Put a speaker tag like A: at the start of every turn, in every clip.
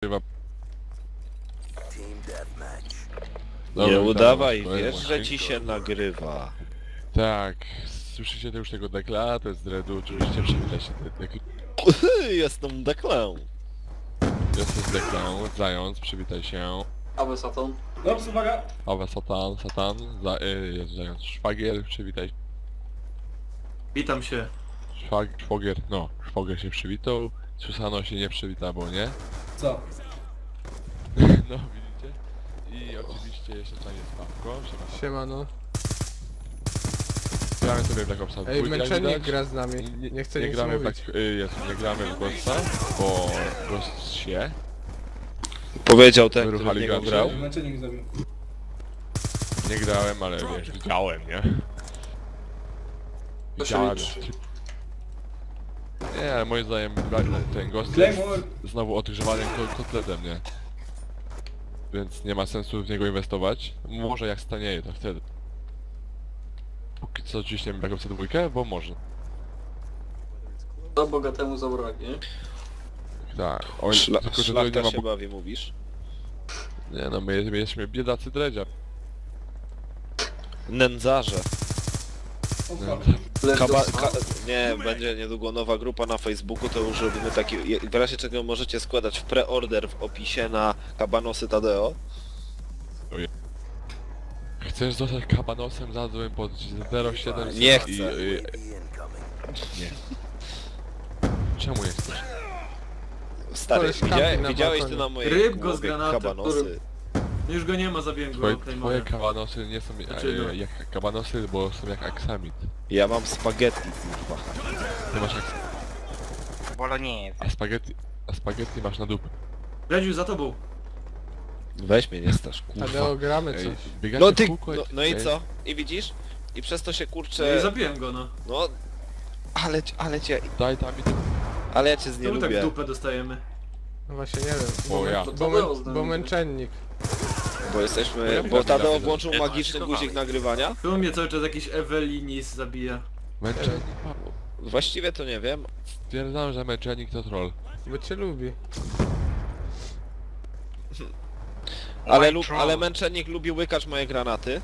A: Chyba...
B: Nie udawaj,
A: dawaj,
B: wiesz, że ci się nagrywa.
A: Tak, słyszycie już tego dekla, to jest Dredu, oczywiście przywita się dekla.
B: Jestem deklę.
A: Jest deklą, Zając, przywitaj się.
C: Awe Saturn.
D: Dobrze, uwaga!
A: Awe Satan, jest Zając, Szwagier, przywitaj się.
D: Witam się.
A: Szwagier się przywitał, Susano się nie przywita, bo nie.
D: Co?
A: No widzicie? I oczywiście jeszcze tutaj jest Pawko,
E: Siemano.
A: gramy sobie w Black Opsa 2,
E: Ej,
A: jak
E: męczennik
A: widać.
E: gra z nami. Nie chcę nic
A: gramy w
E: mówić.
A: nie gramy w Ghosta, bo Ghost się.
B: Powiedział ten, który w
A: Wyruchali
B: niego
A: gracze.
B: grał.
D: Męczennik zabił.
A: Nie grałem, ale wiesz, widziałem, nie?
C: To się
A: Widziałem.
C: liczy.
A: Nie, ale moim zdaniem ten Ghost jest
D: Claymore!
A: znowu odgrzewanym kotletem, nie? Więc nie ma sensu w niego inwestować. Może jak stanieje, to wtedy. Póki co ciśniemy Black Opsa 2, bo można.
C: To bogatemu zabraknie.
A: Tak. Oj, tylko że to nie
B: Szlachta
A: ma...
B: się bawi, mówisz?
A: Nie no, my jesteśmy biedacy dredzia.
B: Nędzarze.
D: O fuck.
B: Nie, będzie niedługo nowa grupa na Facebooku, to już robimy taki... W razie czego możecie składać w preorder w opisie na Kabanosy Tadeo.
A: Chcesz zostać kabanosem, zadzwoń pod 07...
B: Nie chcę.
A: Nie. Czemu nie chcesz?
B: Stary,
E: Koleś kampi na
B: widziałeś
E: balkonie.
B: ty na mojej
D: Ryb go z
B: głowie
D: granatem,
B: kabanosy?
D: Już go nie ma, zabiłem go.
A: Twoje
D: Claymore.
A: kabanosy nie są
D: Dlaczego?
A: jak kabanosy, bo są jak aksamit.
B: Ja mam spaghetti, kurwa.
A: Ty masz
F: Bolognese.
A: a spaghetti masz na dupę.
D: Redziu, za tobą.
B: Weź mnie, nie stasz, kurwa.
E: Tadeo, gramy
A: Ej,
E: coś.
A: biegacie
B: No
A: w
B: ty,
A: kółko
B: no i
A: ej,
B: co? I widzisz? I przez to się
D: No i
B: kurczę...
D: zabiłem go, no.
B: No...
A: Daj tam i ty...
B: Ale ja cię nie
D: Czemu tak w
B: lubię.
D: dupę dostajemy?
E: No właśnie nie wiem.
A: Bo ja.
C: To
E: Bo,
C: Tadeo z nami
E: bo
C: gra.
E: męczennik.
B: Bo jesteśmy...
A: Ja
B: Bo
A: widzę,
B: Tadeo
A: widzę.
B: włączył magiczny guzik nagrywania?
D: Tu mnie cały czas jakiś Ewelinis zabija.
A: Męczennik Paweł.
B: Właściwie to nie wiem.
A: Stwierdzam, że męczennik to troll.
E: Bo cię lubi.
B: Ale męczennik lubi łykać moje granaty.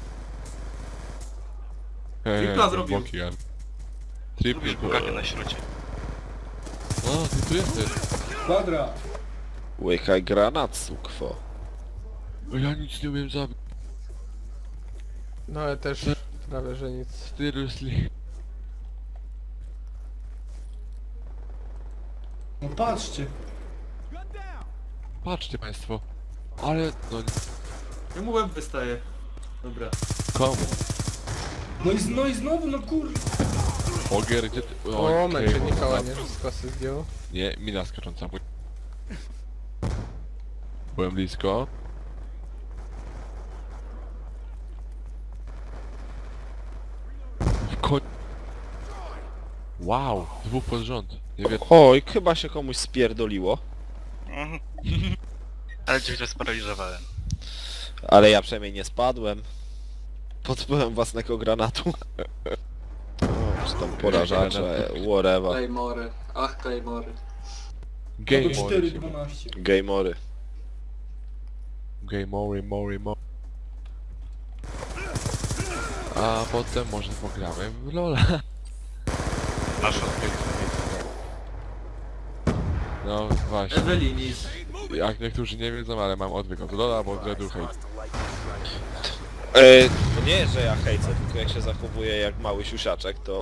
D: Tripla zrobił.
A: Triple
F: Buganie na środzie.
A: O, ty tu jesteś.
D: Kwadra!
B: Łykaj granat, sukwo.
A: O, ja nic nie umiem zabić.
E: No ale też prawie, że nic.
A: Seriously.
D: No patrzcie.
A: Patrzcie państwo. Ale, no,
D: Jemu łeb wystaje. Dobra.
A: komu?
D: No i znowu, no kur...
A: Ogier, gdzie ty...
E: O,
A: okej,
E: męczennika
A: dobra.
E: ładnie z kosy zdjął.
A: Nie, mina skacząca. Byłem blisko. W koń... Wow, dwóch pod rząd. Nie wiem.
B: Oj, chyba się komuś spierdoliło.
F: Mhm. Ale cię źle sparaliżowałem.
B: Ale ja przynajmniej nie spadłem. Pod wpływem własnego granatu. O, czy tam porażacze, whatever.
C: Claymory. Ach, Claymory.
A: Game over.
D: 4-12.
B: Gameory.
A: Game over, more. A potem może pogramy w LoL'a.
F: Masz odbieg.
A: No właśnie.
D: Ewelinis.
A: Jak niektórzy nie wiedzą, ale mam odwyk od LoL'a, bo Dredu hejt.
B: To nie jest, że ja hejcę, tylko jak się zachowuję jak mały siusiaczek, to...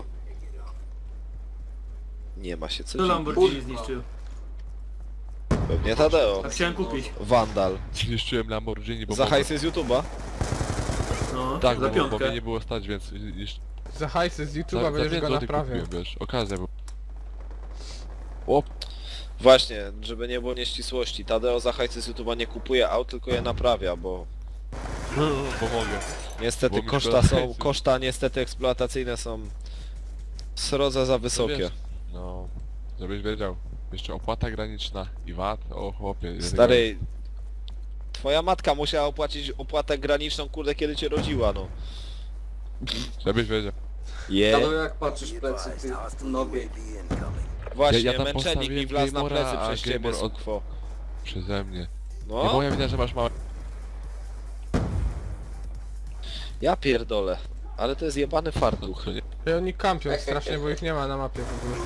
B: Nie ma się co
D: To
B: dziwić.
D: Lamborghini zniszczył.
B: Pewnie Tadeo.
D: A chciałem kupić.
B: Wandal.
A: Zniszczyłem Lamborghini, bo...
B: Za hajsy z YouTube'a?
D: No,
A: Tak,
D: za
A: bo
D: piątkę.
A: mnie nie było stać, więc...
E: Za hajsy z
A: Za
E: YouTube'a będziesz
A: 5
E: go
A: złotych
E: naprawiał.
A: kupiłem, wiesz, okazja była. O,
B: Właśnie, żeby nie było nieścisłości. Tadeo za hajsy z YouTube'a nie kupuje aut, tylko je naprawia, bo...
A: pomogę.
B: Niestety
A: Bo mi
B: koszta
A: szkoda
B: są...
A: hajsu.
B: Koszta niestety eksploatacyjne są... Srodze za wysokie.
A: wiesz. No, żebyś wiedział. Jeszcze opłata graniczna i VAT, o chłopie.
B: Stary... Twoja matka musiała opłacić opłatę graniczną, kurde, kiedy cię rodziła, no.
A: Żebyś wiedział.
C: Tadeo, jak patrzysz w plecy, ty nobie.
B: Właśnie,
A: Ja tam
B: męczennik mi
A: postawiłem
B: wlazł na
A: Gameora,
B: plecy
A: a
B: przez ciebie,
A: Gameor od-
B: sukwo.
A: Przeze mnie. Nie
B: No,
A: moja wina, że masz małe...
B: ja pierdolę. Ale to jest jebany fartuch.
A: To nie...
E: I oni kampią strasznie, bo ich nie ma na mapie w ogóle.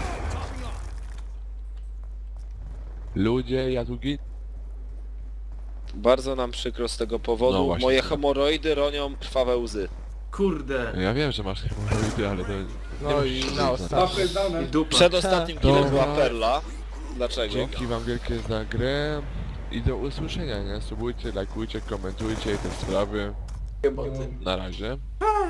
A: Ludzie, ja tu git...
B: Bardzo nam przykro z tego powodu.
A: No właśnie.
B: Moje hemoroidy ronią krwawe łzy.
D: Kurde.
A: Ja wiem, że masz hemoroidy, ale to...
E: No i na ostatni.
D: Łapkę jest dane. I dupa.
B: Przed ostatnim killem
A: Dobra.
B: była Perla. Dlaczego?
A: Dzięki wam wielkie za grę i do usłyszenia, nie? Subujcie, lajkujcie, komentujcie te sprawy.
C: Chyba ty.
A: Na razie.